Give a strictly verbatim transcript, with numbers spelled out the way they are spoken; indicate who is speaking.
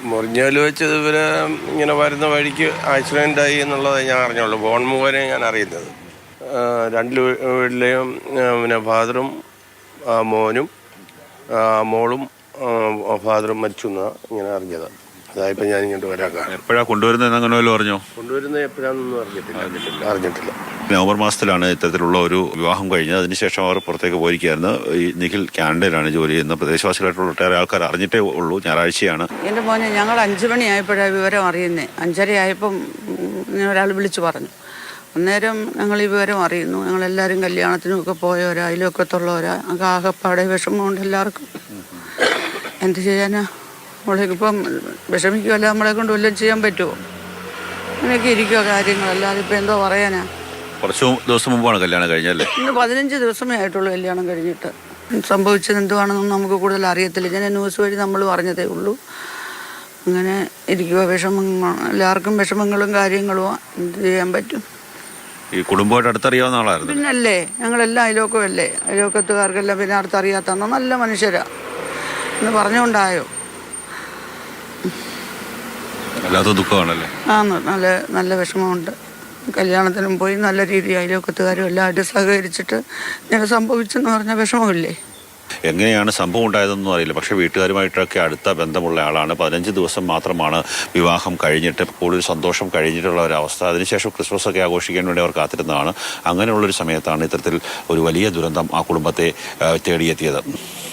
Speaker 1: മുറിഞ്ഞാൽ വെച്ചത് ഇവരെ ഇങ്ങനെ വരുന്ന വഴിക്ക് ആക്സിഡൻ്റായി എന്നുള്ളത് ഞാൻ അറിഞ്ഞുള്ളൂ. ഫോൺ മുഖേന ഞാൻ അറിയുന്നത്. രണ്ട് വീട്ടിലെയും പിന്നെ ഫാദറും മോനും മോളും ഫാദറും മരിച്ചു എന്നാണ് ഇങ്ങനെ അറിഞ്ഞത്. അതായപ്പോൾ ഞാൻ ഇങ്ങോട്ട് വരാം.
Speaker 2: എപ്പോഴാണ് കൊണ്ടുവരുന്നത് അങ്ങനെ വല്ലതും അറിഞ്ഞോ?
Speaker 1: കൊണ്ടുവരുന്നത് എപ്പോഴാണെന്നൊന്നും അറിഞ്ഞിട്ടില്ല അറിഞ്ഞിട്ടില്ല അറിഞ്ഞിട്ടില്ല
Speaker 2: നവംബർ മാസത്തിലാണ് ഇത്തരത്തിലുള്ള ഒരു വിവാഹം കഴിഞ്ഞത്. അതിനുശേഷം അവർ പുറത്തേക്ക് പോയിരിക്കുകയായിരുന്നു. ഈ നിഖിൽ കാനഡയിലാണ് ജോലി ചെയ്യുന്നത്. പ്രദേശവാസികളായിട്ടുള്ള ഒട്ടേറെ ആൾക്കാർ അറിഞ്ഞിട്ടേ ഉള്ളൂ. ഞായറാഴ്ചയാണ്.
Speaker 3: എൻ്റെ മോനെ ഞങ്ങൾ അഞ്ച് മണിയായപ്പോഴാണ് വിവരം അറിയുന്നത്. അഞ്ചര ആയപ്പം ഒരാൾ വിളിച്ചു പറഞ്ഞു. അന്നേരം ഞങ്ങൾ ഈ വിവരം അറിയുന്നു. ഞങ്ങളെല്ലാവരും കല്യാണത്തിനുമൊക്കെ പോയവരാ, അതിലൊക്കത്തുള്ളവരാ. ആകെപ്പാടെ വിഷമമുണ്ട് എല്ലാവർക്കും. എന്ത് ചെയ്യാനാ? നമ്മളേക്കിപ്പം വിഷമിക്കുമല്ല, നമ്മളെ കൊണ്ട് വല്ലതും ചെയ്യാൻ പറ്റുമോ? അങ്ങനെയൊക്കെ ഇരിക്കുമോ കാര്യങ്ങൾ. അല്ലാതെ ഇപ്പം എന്തോ പറയാനാ?
Speaker 2: കുറച്ച് ദിവസം മുമ്പാണ് കല്യാണം കഴിഞ്ഞല്ലേ?
Speaker 3: ഇന്ന് പതിനഞ്ച് ദിവസമേ ആയിട്ടുള്ളൂ കല്യാണം കഴിഞ്ഞിട്ട്. സംഭവിച്ചത് എന്തുവാണെന്നൊന്നും നമുക്ക് കൂടുതൽ അറിയത്തില്ല. ഞാൻ ന്യൂസ് വഴി നമ്മൾ പറഞ്ഞതേ ഉള്ളൂ. അങ്ങനെ ഇരിക്കുക. വിഷമങ്ങൾ എല്ലാവർക്കും വിഷമങ്ങളും കാര്യങ്ങളും. എന്ത് ചെയ്യാൻ പറ്റും?
Speaker 2: ഈ കുടുംബമായിട്ട് അടുത്തറിയാവുന്ന ആളായിരുന്നു.
Speaker 3: പിന്നല്ലേ, ഞങ്ങളെല്ലാം അയലോക്കമല്ലേ. അയലോക്കത്തുകാർക്കെല്ലാം പിന്നെ അടുത്തറിയാത്തന്നോ നല്ല മനുഷ്യരാ എന്ന് പറഞ്ഞുകൊണ്ടായോ?
Speaker 2: വല്ലാത്ത ദുഃഖമാണല്ലേ?
Speaker 3: ആ നല്ല നല്ല വിഷമമുണ്ട്. കല്യാണത്തിനും പോയി നല്ല രീതിയിൽ അയലോക്കത്തുകാരും എല്ലാവരും സഹകരിച്ചിട്ട് ഇങ്ങനെ സംഭവിച്ചെന്ന് പറഞ്ഞാൽ വിഷമമില്ലേ?
Speaker 2: എങ്ങനെയാണ് സംഭവം ഉണ്ടായതെന്നൊന്നും അറിയില്ല. പക്ഷേ വീട്ടുകാരുമായിട്ടൊക്കെ അടുത്ത ബന്ധമുള്ള ആളാണ്. പതിനഞ്ച് ദിവസം മാത്രമാണ് വിവാഹം കഴിഞ്ഞിട്ട് കൂടുതൽ സന്തോഷം കഴിഞ്ഞിട്ടുള്ള ഒരവസ്ഥ. അതിനുശേഷം ക്രിസ്മസ് ഒക്കെ ആഘോഷിക്കാൻ വേണ്ടി അവർ കാത്തിരുന്നതാണ്. അങ്ങനെയുള്ളൊരു സമയത്താണ് ഇത്തരത്തിൽ ഒരു വലിയ ദുരന്തം ആ കുടുംബത്തെ തേടിയെത്തിയത്.